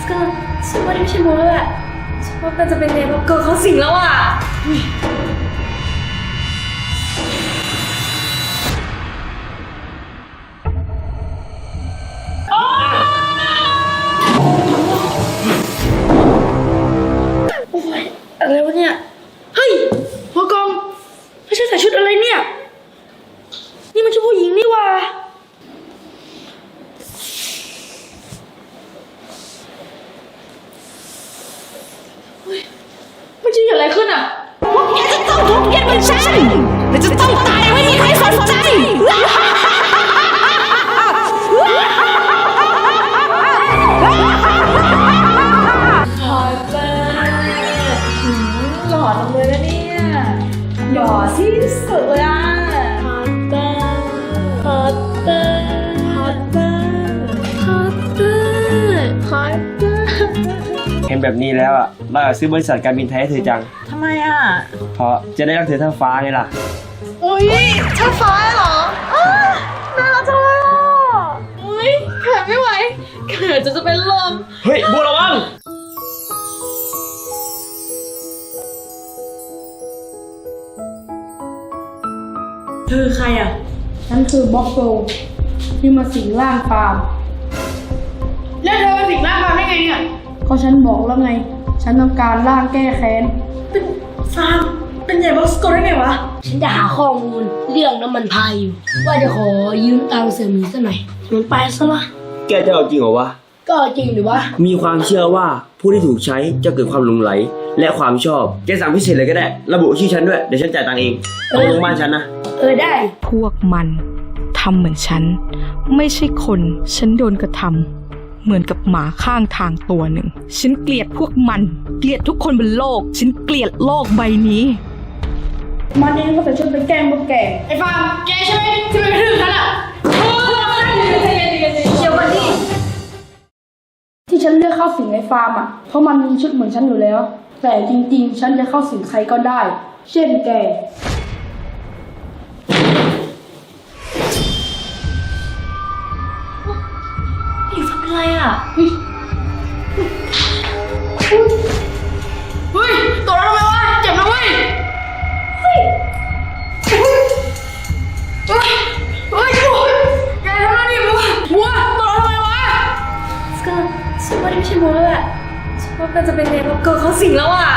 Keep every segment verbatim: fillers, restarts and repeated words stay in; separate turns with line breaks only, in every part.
ก็ฉันว่านี่ไม่ใช่โมแล้วแหละฉันว่ามันจะเป็นเนบล็อกเกอร์เขาสิงแล้วอ่ะโอ้ยอะไรวะเนี่ยเฮ้ยหัวกองไม่ใช่ใส่ชุดอะไรเนี่ยนี่มันชุดผู้หญิงนี่หว่ามันจะเกิดอะไรขึ้นอ่ะพวกแกจะต้องทุบแกเหมือนฉันและจะต้องตายไม่มีใครสนใจหล่อจังหล่อจังเลยนะเนี่ยหล่อที่สุดเลยอ่ะฮอตเตอร์ฮอตเตอร์ฮอตเตอร์ฮอตเตอร์ฮอตเตอร์
เห็นแบบนี้แล้วอ่ะเราอยากซื้อบริษัทการบินไทยให้เธอจัง
ทำไมอ่ะ
เพราะจะได้รักเธอเท่าฟ้าไงล่ะ
อุ้ยช่างฟ้าเหรอน่ารักจังเลยอ่ะอุ้ยแขนไม่ไหวแขนจะจะเป็นลม
เฮ้ยบัวระวัง
เธอใครอ่ะ
ฉันคือบ็อกโกที่มาสิงร่างฟาร์ม
แล้วเธอมาสิงร่างฟาร์มได้ไงเนี่ย
ก็ฉันบอกแล้วไงฉันต้องการร่างแก้แค้น
เป็นฟาร์มเป็นใหญ่บ็อกโกได้ไงวะ
ฉันจะหาข้อมูลเรื่องน้ำมันพายอยู่ว่าจะขอยืมตังค์เสี่ยหมีสักหน่อยมันไปซะละ
แกจะเอาจริงเหรอวะ
ก็จริงหรือวะ
มีความเชื่อว่าผู้ที่ถูกใช้จะเกิดความหลงไหลและความชอบแกสั่งพิเศษเลยก็ได้ระบุชื่อฉันด้วยเดี๋ยวฉันจ่ายตังค์เองเอาลงบ้านฉันนะ
เออได้
พวกมันทำเหมือนฉันไม่ใช่คนฉันโดนกระทำเหมือนกับหมาข้างทางตัวหนึ่งฉันเกลียดพวกมันเกลียดทุกคนบนโลกฉันเกลียดโลกใบนี้
มันเองก็ใส่ชุดไปแกล้งพวกแก
ไอ้ฟาร์มแกใช่ไหมที่มันกระทืบฉันอ่ะเดี๋ยวก่อนดิ
ที่ฉันเลือกเข้าสิงไอ้ฟาร์มอ่ะเพราะมันมีชุดเหมือนฉันอยู่แล้วแต่จริงๆฉันจะเข้าสิงใครก็ได้เช่นแก
อีฟาร์มเป็นไรอ่ะเฮ้ยตัวเราทำไมวะเจ็บนะเว้ยเฮ้ยเฮ้ยเฮ้ยเฮ้ยแกทำอะไรดิบัวบัวตัวเราทำไมวะสกัดฉันว่านี่ไม่ใช่โมแล้วแหละฉันว่ามันจะเป็นเนบล็อกเกอร์เขาสิงแล้วอ่ะ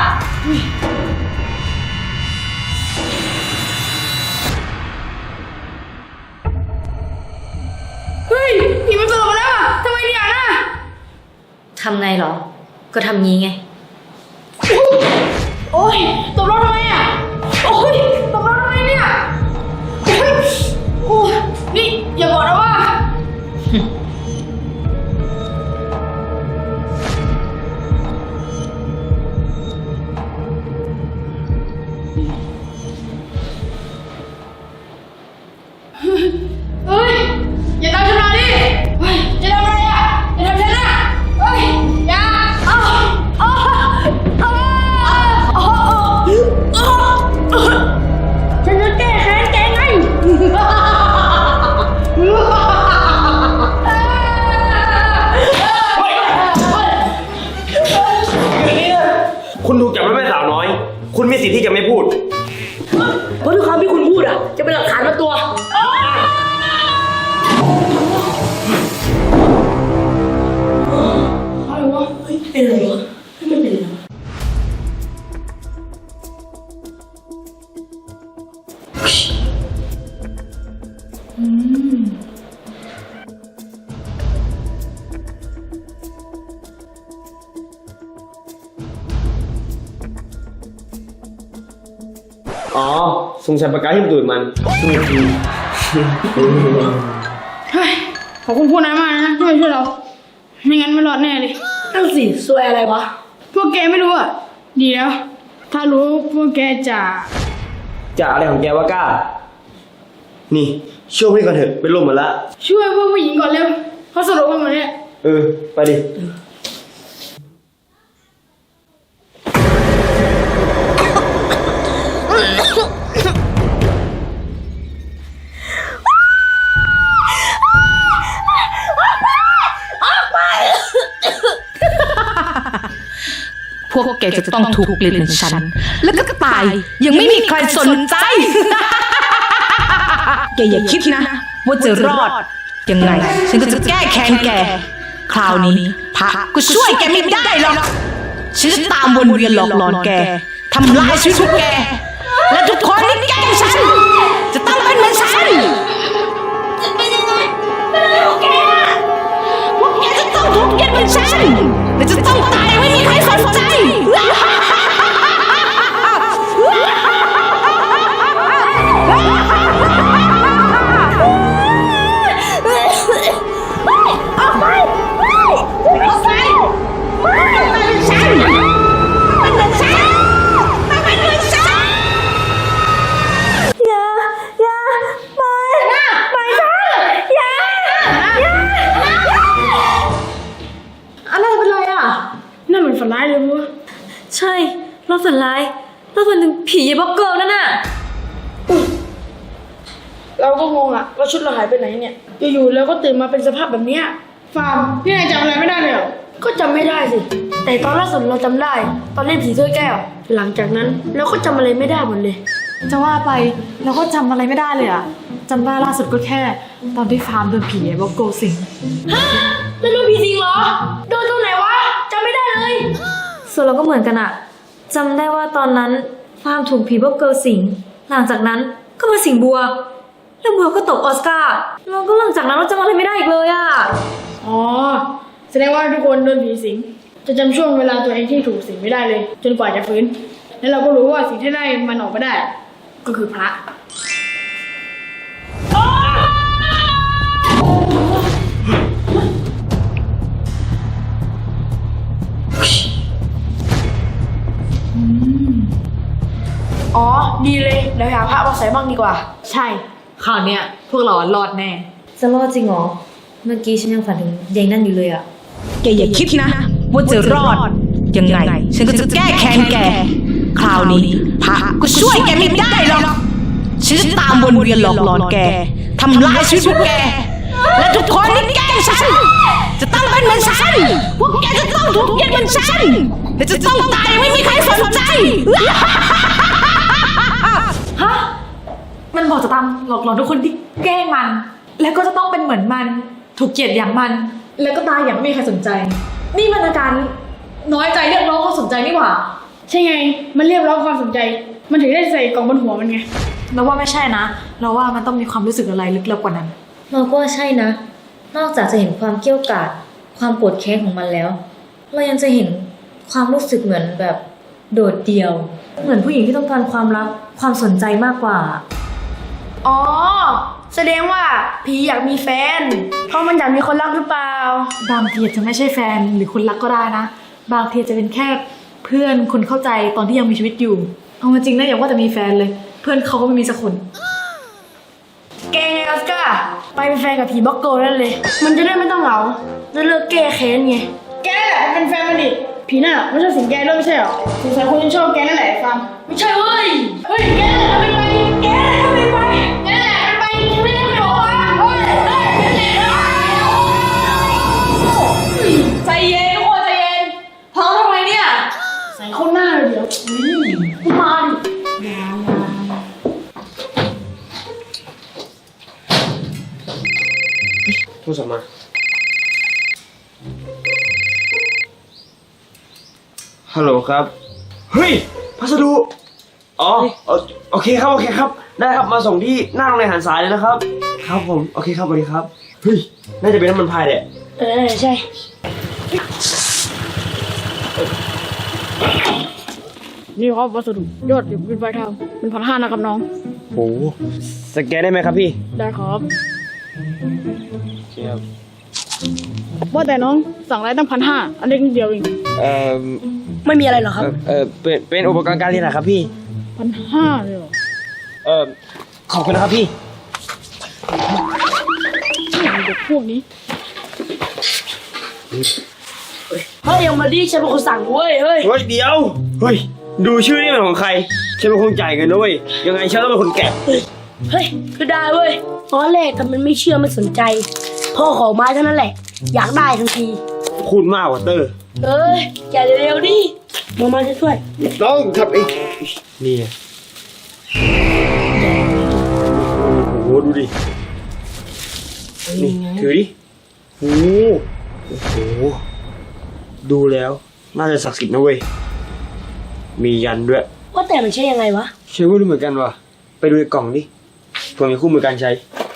เฮ้ยผีมันเกิดมาแล้วอ่ะทำไมเนี่ยนะทำไงหรอก็ทำงี้ไงโอ๊ยตบเราทำไมอ่ะโอ๊ยตบเราทำไมเนี่ยโอ๊ยโอ้ยนี่อย่าบอกนะว่าเฮ้ยอย่าทำฉันมาดิเฮ้ยจะทำอะไรอ่ะอย่าทำฉันนะเฮ้ยอย่าอ้าวอ้าวอ้าวอ้าวฉันจะแก้แค้นแกไง
คุณถูกจับไว้เป็นสาวน้อยคุณมีสิทธิ์ที่จะไม่พูด
เพราะทุกคำที่คุณพูดอ่ะจะเป็นหลักฐานมาตัว
อะไรวะเฮ้ยเป็นอะไรวะไม่เป็นไรอืม
อ๋อสงสัยปากกาที่มันดูดมันสนุกดี
เฮ้ยขอบคุณพวกนั้นมากนะที่มาช่วยเราไม่งั้นไม่รอดแน่เลย
นั่นสิซวยอะไรวะ
พวกแกไม่รู้อ่ะดีแล้วถ้ารู้พวกแกจะ
จะอะไรของแกวะก้านี่ช่วยพี่ก่อนเถอะเป็นลมหมดละ
ช่วยพวกผู้หญิงก่อนเร็วเขาสลบกันหมดเนี่ย
เออไปดิ
พวกแกจะต้องถูกเกลียดเหมือนฉัน แล้วก็ตายยังไม่มีใครสนใจ แกอย่าคิดนะว่าจะรอดยังไงฉันก็จะแก้แค้นแกคราวนี้พระก็ช่วยแกไม่ได้หรอกฉันจะตามวนเวียนหลอกหลอนแกทำลายชีวิตพวกแกและทุกคนที่แกล้งฉันจะต้องเป็นเหมือนฉันจะเป็นยังไงเป็นอะไรของแกพวกแกจะต้องถูกเกลียดเหมือนฉันและจะต้องตายไม่มีใครสนใจ
นั่นมันฝันร้ายเลยมั้ย
ใช่เราฝันร้ายเราฝันถึงผีบล็อกเกิร์ลนั่นน่ะ
เราก็งงอะว่าชุดเราหายไปไหนเนี่ยอยู่ๆแล้วก็ตื่นมาเป็นสภาพแบบเนี้ยฟาร์มพี่นายจำอะไรไม่ได้เลยเหรอก็จำไม่ได้สิแต่ตอนล่าสุดเราจำได้ตอนเล่นผีถ้วยแก้วหลังจากนั้นเราก็จำอะไรไม่ได้หมดเลย
จะว่าไปเราก็จำอะไรไม่ได้เลยอะจำได้ล่าสุดก็แค่ ตอนที่ฟาร์มโดนผีไอ้บอกโกสิง
ฮะแล้วโดนผีสิงเหรอโดนตรงไหนวะจำไม่ได้เลย
ส่วนเราก็เหมือนกันอะจำได้ว่าตอนนั้นฟาร์มถูกผีบล็อกเกิร์ลสิงหลังจากนั้นก็มาสิงบัวแล้วบัวก็ตกออสการ์แล้วก็หลังจากนั้นเราจำอะไรไม่ได้อีกเลยอะ
อ๋อแสดงว่าทุกคนโดนผีสิงจะจำช่วงเวลาตัวเองที่ถูกสิงไม่ได้เลย จนกว่าจะฟื้นแล้วเราก็รู้ว่าสิ่งที่ได้มันออกมาได้ ก็คือพระอ๋อดีเลยเดี๋ยวหาพระมาใส่บ้างดีกว่า
ใช่คราวเนี้ยพวกเรารอดแน่
จะรอดจริงเหรอเมื่อกี้ฉันยังฝันถึงยายนั่นอยู่เลยอะ
แกอย่าคิดนะว่าจะรอดยังไงฉันก็จะแก้แค้นแกคราวนี้พระก็ช่วยแกไม่ได้หรอกฉันจะตามวนเวียนหลอกหลอนแกทำลายชีวิตพวกแกและทุกคนที่แกล้งฉันจะต้องเป็นเหมือนฉันพวกแกจะต้องถูกเกลียดเหมือนฉันและจะต้องตายไม่มีใครสนใจ
ฮะ มันบอกจะตามหลอกหลอนทุกคนที่แกล้งมัน แล้วก็จะต้องเป็นเหมือนมันถูกเกลียดอย่างมัน แล้วก็ตายอย่างไม่มีใครสนใจ นี่มันอาการน้อยใจเรียกร้องความสนใจนี่หว่า
ใช่ไงมันเรียกร้องความสนใจมันถึงได้ใส่กล่องบนหัวมันไง
เราว่าไม่ใช่นะ เราว่ามันต้องมีความรู้สึกอะไรลึกลับกว่านั้น
เราก็ใช่นะ นอกจากจะเห็นความเกรี้ยวกราดความโกรธแค้นของมันแล้ว เรายังจะเห็นความรู้สึกเหมือนแบบโดดเดี่ยว เหมือนผู้หญิงที่ต้องการความรักความสนใจมากกว่า
อ๋อแสดงว่าผีอยากมีแฟนเพราะมันอยากมีคนรักหรือเปล่า
บางทีอาจจะไม่ใช่แฟนหรือคนรักก็ได้นะ บางทีจะเป็นแค่เพื่อนคนเข้าใจตอนที่ยังมีชีวิตอยู่ เอามาจริงนะอย่าว่าแต่มีแฟนเลย เพื่อนเขาก็ไม่มีสักคน
แกไงออสการ์ไปเป็นแฟนกับผีบล็อกโกนั่นเลย มันจะได้ไม่ต้องเหงาจะเลิกแก้แค้นไงแกแหละเป็นแฟนมันดิผีน่ะไม่ใช่สิงแกด้วยไม่ใช่หรอสงสัยคนที่ชอบแกนั่นแหละฟาร์มไม่ใช่เว้ยเฮ้ยแกแหละทำไมไปแกแหละทำไมไปแกแหละทำไมไม่ได้ไม่บอกว่าเฮ้ยเฮ้ยแกแหละ
ใจเย็นทุกคนใจเย็นท้องทำไมเนี่ย
ใส่เข้าหน้าเลยเดี๋ยวนี่มาดิ
โทรศัพท์มาฮัลโหลครับเฮ้ยพัสดุอ๋อโอเคครับโอเคครับได้ครับมาส่งที่หน้าโรงเรียนหันสายเลยนะครับครับผมโอเคครับสวัสดีครับเฮ้ยน่าจะเป็นน้ำมันพายแหละ
เออใช่นี่ครับวัสดุยอดเป็นปลายทางเป็นพันห้านะครับน้อง
โอ้สแกนได้ไหมครับพี่
ได้ครับ
โอเคครับ
ว่าแต่น้องสั่งอะไรตั้งพันห้าอันเล็กนิดเดียวเอง
เอ่อ
ไม่มีอะไรหรอครับ
เอ่อเออเป็นเป็นอุปกรณ์การเรียนนะครับพี่
พันห้าเลยเหรอ
เออขอบคุณนะครับพี่
เด็กพวกนี้เฮ้ยยังมาดิฉันเป็นคนสั่งเว้ยเฮ้ย
เฮ้ยเดี๋ยวเฮ้ยดูชื่อนี่เป็นของใครฉันเป็นคนจ่ายเงินนะเว้ยยังไงฉันต้องเป็นคนแกะ
เฮ้ยคือได้เว้ยตอนแรกทำมันไม่เชื่อไม่สนใจพ่อขอไม้เท่านั้นแหละ อยากได้ทันที
พูดมากกว่าเตอร์
เอ้ยอย่าเร็วๆดิมามาช่วย
น้องทำเองนี่ไงโอ้โหดูดิ นี่ถือดิโอ้โหโอ้โห ดูแล้ว น่าจะศักดิ์สิทธิ์นะเว้ย มียันด้วย
ว่าแต่มันใช่ยังไงวะ
ใช่ว่าดูเหมือนกันว่ะ ไปดูในกล่องดิเผื่อมีคู่มือการใช้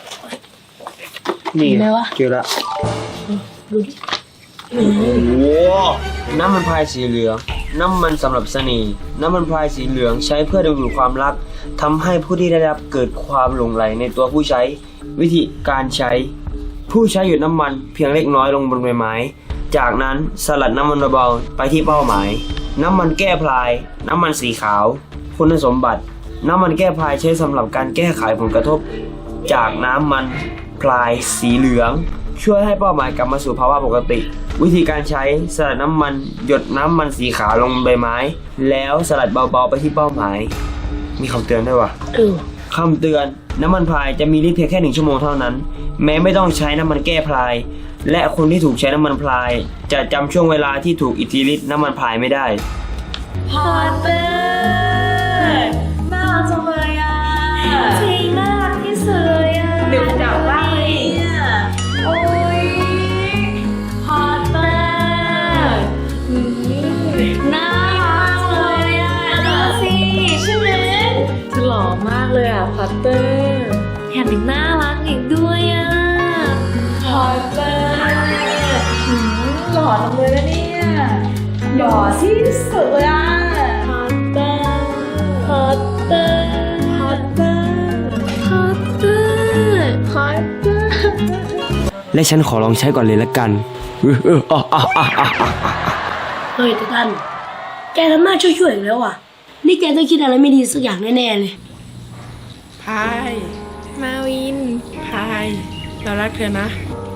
นี่
เห็นไหมวะ
เจอละ
ดูดิ
โอ้โห น้ำมันพรายสีเหลือง น้ำมันสำหรับเสน่ห์น้ำมันพรายสีเหลืองใช้เพื่อดึงดูดความรักทำให้ผู้ที่ได้รับเกิดความหลงใหลในตัวผู้ใช้ วิธีการใช้ ผู้ใช้หยดน้ำมันเพียงเล็กน้อยลงบนใบไม้ จากนั้นสลัดน้ำมันเบาๆไปที่เป้าหมาย น้ำมันแก้พลาย น้ำมันสีขาว คุณสมบัติ น้ำมันแก้พลายใช้สำหรับการแก้ไขผลกระทบ จากน้ำมันพลายสีเหลือง ช่วยให้เป้าหมายกลับมาสู่ภาวะปกติ วิธีการใช้สลัดน้ำมันหยดน้ำมันสีขาวลงบนใบไม้ แล้วสลัดเบาๆไปที่เป้าหมาย มีคำเตือนด้วยว่ะ
เออ
คำเตือนน้ำมันพรายจะมีฤทธิ์เพียงแค่หนึ่งชั่วโมงเท่านั้น แม้ไม่ต้องใช้น้ำมันแก้พราย และคนที่ถูกใช้น้ำมันพราย จะจำช่วงเวลาที่ถูกอิทธิฤทธิ์น้ำมันพรายไม่ได้
พอตเตอร์น่ารักจังเลยอ่ะจริงน่ารักที่สุดเลยอ่ะเดี๋ยวจับบ้างเลยโอ้ยพอตเตอร์อืมน่ารักจังเลยอ่ะดูสิใช่ไหมเธอหล่อมากเลยอ่ะพอตเตอร์แถมยังน่ารักอีกด้วยอ่ะพอตเตอร์อืมหล่อจังเลยนะเนี่ยหล่อที่สุดเลยอ่ะพอตเตอร์พอตเตอร์พอตเตอร์พอตเตอร์พอตเตอร์
และฉันขอลองใช้ก่อนเลยละกันเออเอออ่ะอ่ะอ่ะอ่ะอ่ะ
เฮ้ยตาตันแกทำหน้าช่วยๆอีกแล้วอ่ะ นี่แกต้องคิดอะไรไม่ดีสักอย่างแน่ๆเลย
พายมาวิน พาย เรารักเธอนะ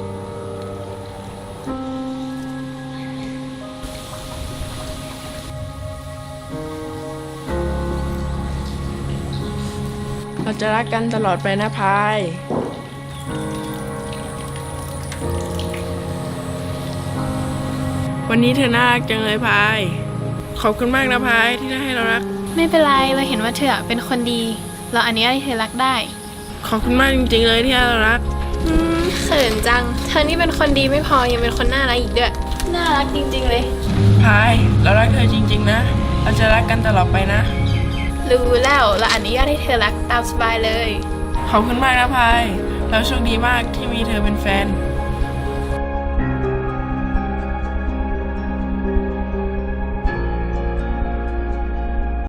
เราจะรักกันตลอดไปนะพาย วันนี้เธอน่ารักจังเลยพาย ขอบคุณมากนะพายที่ได้ให้เรารัก
ไม่เป็นไร เราเห็นว่าเธอเป็นคนดี เราอนุญาตให้เธอรักได้
ขอบคุณมากจริงๆเลยที่ให้เรารัก
อืมเขินจัง เธอนี่เป็นคนดีไม่พอ ยังเป็นคนน่ารักอีกด้วย น่ารักจริงๆเลย
พาย เรารักเธอจริงๆนะ เราจะรักกันตลอดไปนะ
รู้แล้ว เราอนุญาตให้เธอรักตามสบายเลย
ขอบคุณมากนะพาย เราโชคดีมากที่มีเธอเป็นแฟน